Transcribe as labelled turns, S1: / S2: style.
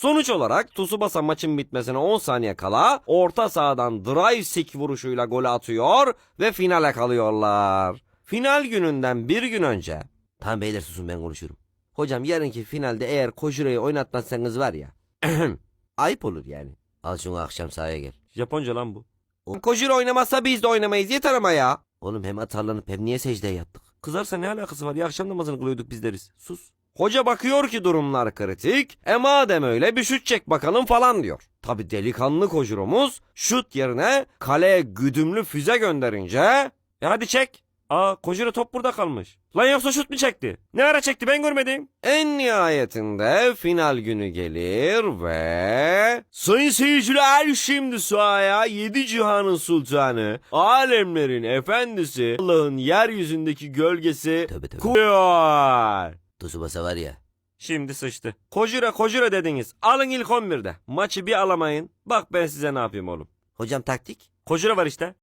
S1: Sonuç olarak Tsubasa maçın bitmesine 10 saniye kala orta sahadan drive stick vuruşuyla gol atıyor ve finale kalıyorlar. Final gününden bir gün önce. Tamam beyler susun ben konuşurum. Hocam yarınki finalde eğer Kojiro'yu oynatmazsanız var ya. Ayıp olur yani. Al şunu akşam sahaya gel. Japonca lan bu. Kojiro oynamazsa biz de oynamayız yeter ama ya. Oğlum hem atarlanıp hem niye secdeye yattık? Kızarsa ne alakası var ya akşam namazını kılıyorduk biz deriz. Sus. Hoca bakıyor ki durumlar kritik. Madem öyle bir şut çek bakalım falan diyor. Tabi delikanlı Kojiro'muz şut yerine kaleye güdümlü füze gönderince. Hadi çek. Kojiro top burada kalmış. Lan yoksa şut mu çekti? Ne ara çekti ben görmedim. En nihayetinde final günü gelir ve... Sayın seyirciler şimdi sahaya 7 cihanın sultanı, alemlerin efendisi, Allah'ın yeryüzündeki gölgesi koyuyor. Tsubasa var ya. Şimdi sıçtı. Kojiro dediniz. Alın ilk 11'de. Maçı bir alamayın. Bak ben size ne yapayım oğlum. Hocam taktik? Kojiro var işte.